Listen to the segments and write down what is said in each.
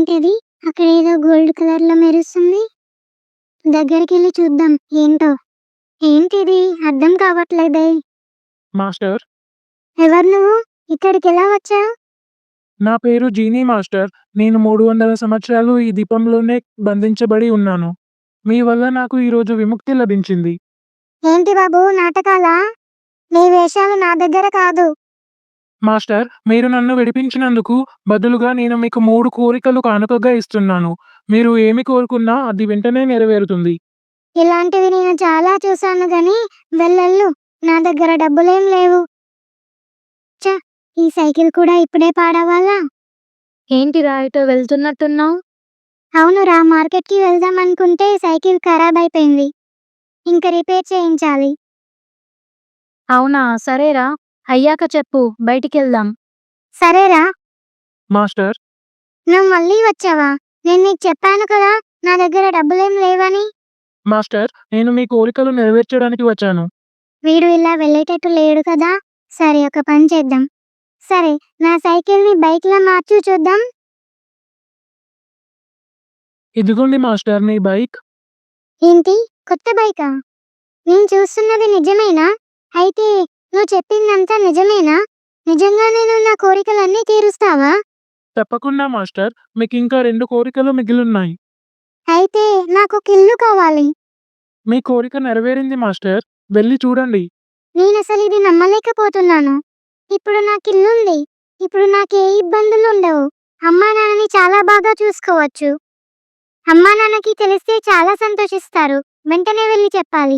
ఏంటది? అక్కడేదో గోల్డ్ కలర్‌లో మెరుస్తుంది. దగ్గరికెళ్లి చూద్దాం ఏంటో? ఏంటిది? అర్థం కావట్లేదే. మాస్టర్, ఎవరు నువ్వు? ఇక్కడికెలా వచ్చావు? నా పేరు జీనీ మాస్టర్. నేను 300 సంవత్సరాలు ఈ దీపంలోనే బంధించబడి ఉన్నాను. మీ వల్ల నాకు ఈరోజు విముక్తి లభించింది. ఏంటి బాబు నాటకాలా? నీ వేషాలు నా దగ్గర కాదు. మాస్టర్, మీరు నన్ను విడిపించినందుకు బదులుగా నేను మీకు 3 కోరికలు కానుకగా ఇస్తున్నాను. మీరు ఏమి కోరుకున్నా అది వెంటనే నెరవేరుతుంది. ఇలాంటివి నేను చాలా చూసాను గానీ వెళ్ళు. నా దగ్గర డబ్బులేం లేవు. ఛ! ఈ సైకిల్ కూడా ఇప్పుడే పాడవ్వాలా? ఏంటిరా ఎటో వెళ్తున్నట్టున్నావు? అవునురా, మార్కెట్‌కి వెళ్దామనుకుంటే సైకిల్ ఖరాబయిపోయింది. ఇంక రిపేర్ చేయించాలి. అవునా, సరేరా. అయ్యాక చెప్పు, బయటికెళ్దాం. సరేరా. మాస్టర్, నువ్వు మళ్ళీ వచ్చావా? నేను నీకు చెప్పాను కదా నా దగ్గర డబ్బులేం లేవని. మాస్టర్, నేను మీ కోరికలు నెరవేర్చడానికి వచ్చాను. వీడు ఇలా వెళ్ళేటట్టు లేడు కదా. సరే, ఒక పని చేద్దాం. సరే, నా సైకిల్‌ని బైక్‌లా మార్చు చూద్దాం. ఇదిగోండి మాస్టర్ మీ బైక్. ఏంటి? కొత్త బైకా? నేను చూస్తున్నది నిజమేనా? అయితే నువ్వు చెప్పిందంతా నిజమేనా? నిజంగానే నువ్వు నా కోరికలన్నీ తీరుస్తావా? తప్పకుండా మాస్టర్, మీకింకా 2 కోరికలు మిగిలున్నాయి. అయితే నాకొక ఇల్లు కావాలి. మీ కోరిక నెరవేరింది మాస్టర్. వెళ్లి చూడండి. నేనసలు ఇది నమ్మలేకపోతున్నాను. ఇప్పుడు నాకిల్లుంది. ఇప్పుడు నాకే ఇబ్బందులుండవు. అమ్మా నాన్నని చాలా బాగా చూసుకోవచ్చు. అమ్మా నాన్నకి తెలిస్తే చాలా సంతోషిస్తారు. వెంటనే వెళ్లి చెప్పాలి.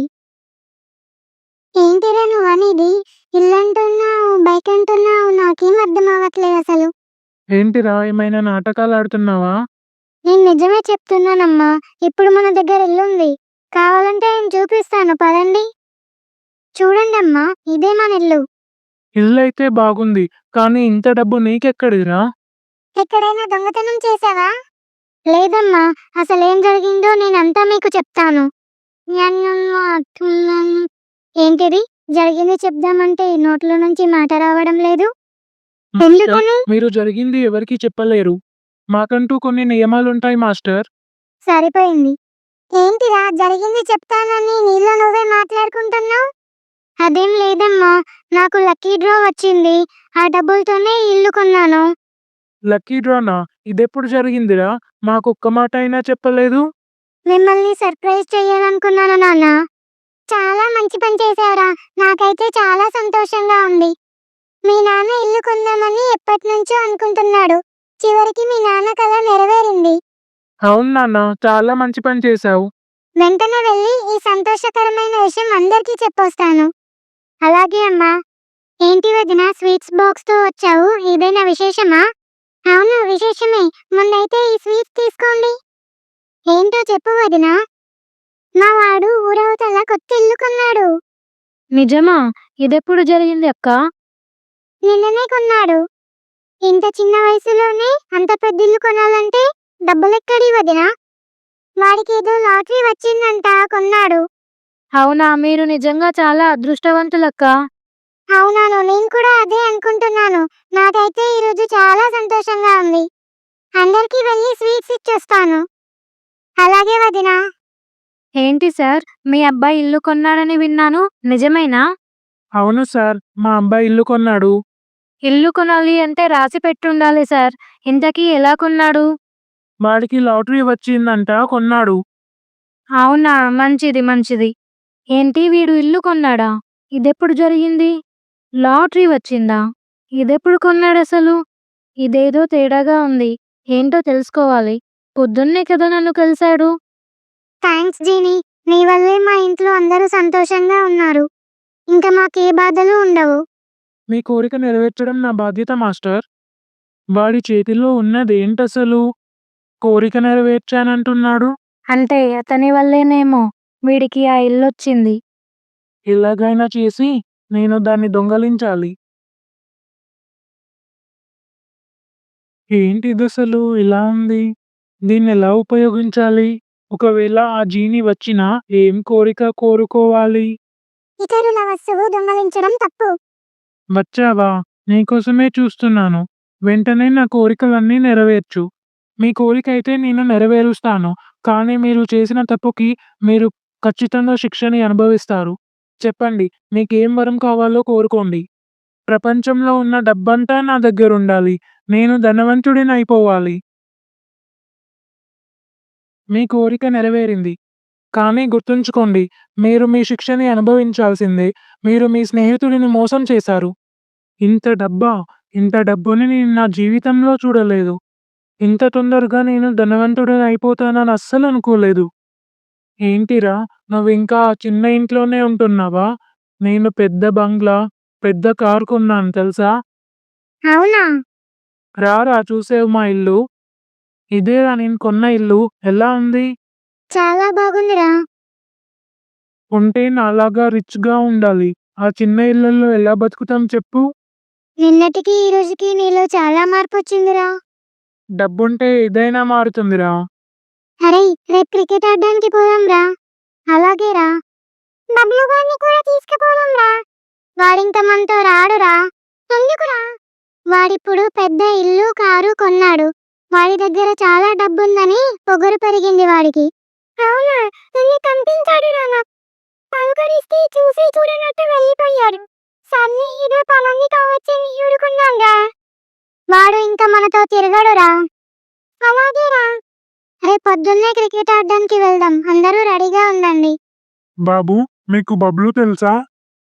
ఏంటిరా నువ్వనేది? ఇల్లంటున్నావు, బైక్ అంటున్నావు, నాకేం అర్థం అవ్వట్లేదు అసలు. ఏంటిరా, ఏమైనా నాటకాలాడుతున్నావా? నేను నిజమే చెప్తున్నానమ్మా. ఇప్పుడు మన దగ్గర ఇల్లుంది. కావాలంటే నేను చూపిస్తాను పదండి. చూడండమ్మా, ఇదే మన ఇల్లు. ఇల్లయితే బాగుంది. కానీ ఇంత డబ్బు నీకెక్కడిదిరా? ఎక్కడైనా దొంగతనం చేశావా? లేదమ్మా, అసలేం జరిగిందో నేనంతా మీకు చెప్తాను. ఏంటిది? జరిగింది చెప్దామంటే నోట్లో నుంచి మాట రావడం లేదు. మాస్టర్, ఎందుకని? మీరు జరిగింది ఎవరికీ చెప్పలేరు. మాకంటూ కొన్ని నియమాలుంటాయి మాస్టర్. సరిపోయింది. ఏంటిరా జరిగింది చెప్తానని నీలో నువ్వే మాట్లాడుకుంటున్నావు? అదేం లేదమ్మా, నాకు లక్కీ డ్రా వచ్చింది. ఆ డబ్బులతోనే ఈ ఇల్లు కొన్నాను. లక్కీ డ్రానా? ఇదెప్పుడు జరిగిందిరా? మాకొక్క మాట అయినా చెప్పలేదు. మిమ్మల్ని సర్ప్రైజ్ చేయాలనుకున్నాను నాన్న. చాలా మంచి పని చేశావురా. నాకైతే చాలా సంతోషంగా ఉంది. మీ నాన్న ఇల్లు కొందామని ఎప్పటినుంచో అనుకుంటున్నాడు. చివరికి మీ నాన్న కల నెరవేరింది. అవును నాన్న, చాలా మంచి పని చేశావు. వెంటనే వెళ్ళి ఈ సంతోషకరమైన విషయం అందరికీ చెప్పొస్తాను. అలాగే అమ్మా. ఏంటి వదినా స్వీట్స్ బాక్స్‌తో వచ్చావు? ఏదైనా విశేషమా? అవును, విశేషమే. ముందైతే ఈ స్వీట్స్ తీసుకోండి. ఏంటో చెప్పు వదినా. మా వాడు ఊరవతల కొత్త ఇల్లు కొన్నాడు. నిజమా? ఇదెప్పుడు జరిగింది అక్కా? నిన్ననే కొన్నాడు. ఇంత చిన్న వయసులోనే అంత పెద్ద ఇల్లు కొనాలంటే డబ్బులెక్కడి వదినా? వాడికేదో లాటరీ వచ్చిందంట, కొన్నాడు. అవునా, మీరు నిజంగా చాలా అదృష్టవంతులక్కా. అవునాను, నేను కూడా అదే అనుకుంటున్నాను. నాకైతే ఈరోజు చాలా సంతోషంగా ఉంది. అందరికీ వెళ్ళి స్వీట్స్ ఇచ్చొస్తాను. అలాగే వదినా. ఏంటి సార్, మీ అబ్బాయి ఇల్లు కొన్నాడని విన్నాను. నిజమేనా? అవును సార్, మా అబ్బాయి ఇల్లు కొన్నాడు. ఇల్లు కొనాలి అంటే రాసి పెట్టుండాలి సార్. ఇంతకీ ఎలా కొన్నాడు? వాడికి లాటరీ వచ్చిందంట, కొన్నాడు. అవునా, మంచిది. ఏంటి, వీడు ఇల్లు కొన్నాడా? ఇదెప్పుడు జరిగింది? లాటరీ వచ్చిందా? ఇదెప్పుడు కొన్నాడసలు? ఇదేదో తేడాగా ఉంది. ఏంటో తెలుసుకోవాలి. పొద్దున్నే కదా నన్ను కలిశాడు. థ్యాంక్స్ జీనీ. నీ వల్లే మా ఇంట్లో అందరూ సంతోషంగా ఉన్నారు. ఇంకా మాకే బాధలు ఉండవు. మీ కోరిక నెరవేర్చడం నా బాధ్యత మాస్టర్. వాడి చేతిలో ఉన్నదేంటసలు? కోరిక నెరవేర్చానంటున్నాడు. అంటే అతని వల్లేనేమో వీడికి ఆ ఇల్లొచ్చింది. ఎలాగైనా చేసి నేను దాన్ని దొంగలించాలి. ఏంటిదసలు ఇలా ఉంది? దీన్నెలా ఉపయోగించాలి? ఒకవేళ ఆ జీని వచ్చినా ఏం కోరిక కోరుకోవాలి? ఇతరుల వస్తువు దొంగలించడం తప్పు. వచ్చావా? నీకోసమే చూస్తున్నాను. వెంటనే నా కోరికలన్నీ నెరవేర్చు. మీ కోరికైతే నేను నెరవేరుస్తాను. కానీ మీరు చేసిన తప్పుకి మీరు ఖచ్చితంగా శిక్షని అనుభవిస్తారు. చెప్పండి, మీకేం వరం కావాలో కోరుకోండి. ప్రపంచంలో ఉన్న డబ్బంతా నా దగ్గరుండాలి. నేను ధనవంతుడినైపోవాలి. మీ కోరిక నెరవేరింది. కానీ గుర్తుంచుకోండి, మీరు మీ శిక్షని అనుభవించాల్సిందే. మీరు మీ స్నేహితుడిని మోసం చేశారు. ఇంత డబ్బా? ఇంత డబ్బుని నేను నా జీవితంలో చూడలేదు. ఇంత తొందరగా నేను ధనవంతుడినైపోతానని అస్సలు అనుకోలేదు. ఏంటిరా, నువ్వింకా ఆ చిన్న ఇంట్లోనే ఉంటున్నావా? నేను పెద్ద బంగ్లా, పెద్ద కారు కొన్నాను తెలుసా? అవునా? రారా చూసేవు మా ఇల్లు. ఇదేరా నేను కొన్న ఇల్లు. ఎలా ఉంది? చాలా బాగుందిరా. ఉంటే నాలాగా రిచ్‌గా ఉండాలి. ఆ చిన్న ఇళ్లల్లో ఎలా బతుకుతాం చెప్పు? నిన్నటికి ఈ రోజుకి నీలో చాలా మార్పొచ్చిందిరా. డబ్బుంటే ఏదైనా మారుతుందిరా. అరేయ్! రేపు క్రికెట్ ఆడడానికి పోదాంరా. అలాగేరా. బబ్లు గాడిని కూడా తీసుకుపోదాంరా. వాడింక మనతో రాడురా. ఎందుకురా? వాడిప్పుడు పెద్ద ఇల్లు, కారు కొన్నాడు. వాడి దగ్గర చాలా డబ్బుందని పొగరు పెరిగింది వాడికి. అవునా? నిన్ను కనిపించాడురా నాకు. పలకరిస్తే చూసి చూడనట్టు వెళ్ళిపోయాడు. సర్లే ఏదో పనుంది కావచ్చని ఊరుకున్నాంరా. వాడు ఇంకా మనతో తిరగడురా. అలాగేరా. రేపు పొద్దున్నే క్రికెట్ ఆడడానికి వెళ్దాం. అందరూ రెడీగా ఉండండి. బాబు, మీకు బబ్లు తెలుసా?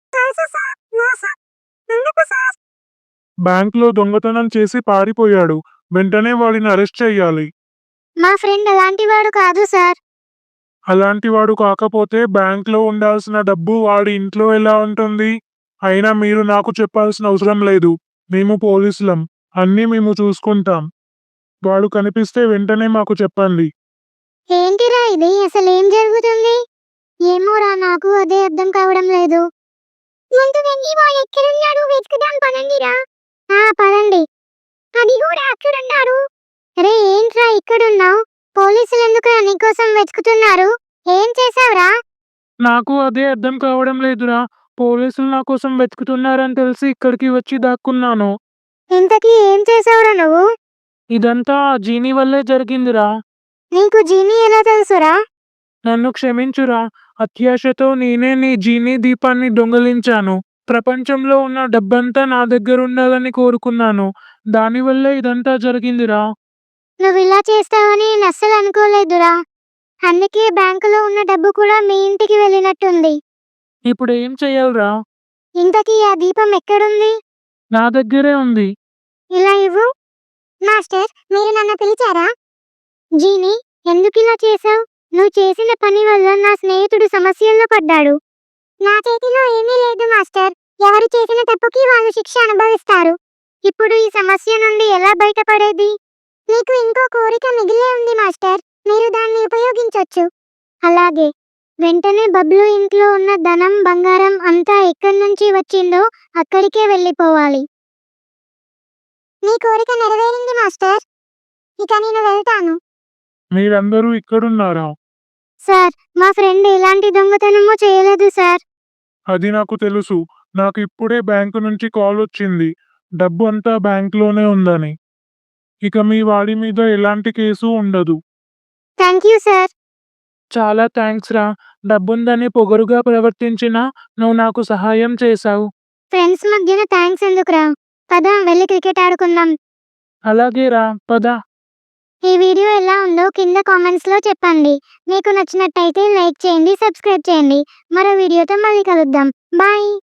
బ్యాంక్‌లో దొంగతనం చేసి పారిపోయాడు. వెంటనే వాడిని అరెస్ట్ చెయ్యాలి. మా ఫ్రెండ్ అలాంటివాడు కాదు సార్. అలాంటివాడు కాకపోతే బ్యాంక్‌లో ఉండాల్సిన డబ్బు వాడి ఇంట్లో ఎలా ఉంటుంది? అయినా మీరు నాకు చెప్పాల్సిన అవసరం లేదు. మేము పోలీసులం. అన్నీ మేము చూసుకుంటాం. వాడు కనిపిస్తే వెంటనే మాకు చెప్పండి. ఏంటిరా ఇది? అసలేం జరుగుతుంది? ఏమోరా, నాకు అదే అర్థం కావడం లేదు. ముందు వెళ్ళి వాడు ఎక్కడున్నాడు వెతుకుదాం పదండిరా. పదండి. అది కూడా అక్కడున్నాడు. రే ఏంట్రా ఇక్కడున్నావు? పోలీసులు ఎందుకురా నీకోసం వెతుకుతున్నారు? ఏం చేసావురా? నాకు అదే అర్థం కావడం లేదురా. పోలీసులు నా కోసం వెతుకుతున్నారని తెలిసి ఇక్కడికి వచ్చి దాక్కున్నాను. ఇంతకీ ఏం చేసావురా నువ్వు? ఇదంతా ఆ జీనీ వల్లే జరిగిందిరా. నీకు జీనీ ఎలా తెలుసురా? నన్ను క్షమించురా. అత్యాశతో నేనే నీ జీనీ దీపాన్ని దొంగిలించాను. ప్రపంచంలో ఉన్న డబ్బంతా నా దగ్గరుండాలని కోరుకున్నాను. దానివల్లే ఇదంతా జరిగిందిరా. నువ్విలా చేస్తావని నేను అస్సలు అనుకోలేదురా. అందుకే బ్యాంకులో ఉన్న డబ్బు కూడా మీ ఇంటికి వెళ్ళినట్టుంది. ఇప్పుడేం చెయ్యాలిరా? ఇంతకీ ఆ దీపం ఎక్కడుంది? నా దగ్గరే ఉంది. ఇలా ఇవ్వు. మాస్టర్, మీరు నన్ను పిలిచారా? జీనీ, ఎందుకిలా చేశావు? నువ్వు చేసిన పని వల్ల నా స్నేహితుడు సమస్యల్లో పడ్డాడు. నా చేతిలో ఏమీ లేదు మాస్టర్. ఎవరు చేసిన తప్పుకి వాళ్ళు శిక్ష అనుభవిస్తారు. ఇప్పుడు ఈ సమస్య నుండి ఎలా బయటపడేది? నీకు ఇంకో కోరిక మిగిలే ఉంది మాస్టర్. మీరు దాన్ని ఉపయోగించొచ్చు. అలాగే. వెంటనే బబ్లు ఇంట్లో ఉన్న ధనం, బంగారం అంతా ఎక్కడి నుంచి వచ్చిందో అక్కడికే వెళ్ళిపోవాలి. నీ కోరిక నెరవేరింది మాస్టర్. ఇక నేను వెళ్తాను. మీరందరూ ఇక్కడున్నారా? సార్, మా ఫ్రెండ్ ఎలాంటి దొంగతనమూ చేయలేదు సార్. అది నాకు తెలుసు. నాకు ఇప్పుడే బ్యాంకు నుంచి కాల్ వచ్చింది. డబ్బు అంతా బ్యాంక్‌లోనే ఉందని. ఇక మీ వాడి మీద ఎలాంటి కేసు ఉండదు. Thank you sir. చాలా థాంక్స్ రా. డబ్బుందని పొగరుగా ప్రవర్తించినా నువ్వు నాకు సహాయం చేశావు. ఫ్రెండ్స్ మధ్యన థ్యాంక్స్ ఎందుకురా? పద వెళ్ళి క్రికెట్ ఆడుకుందాం. అలాగే రా, పద. ఈ వీడియో ఎలా ఉందో కింద కామెంట్స్లో చెప్పండి. మీకు నచ్చినట్టయితే లైక్ చేయండి, సబ్స్క్రైబ్ చేయండి. మరో వీడియోతో మళ్ళీ కలుద్దాం. బాయ్.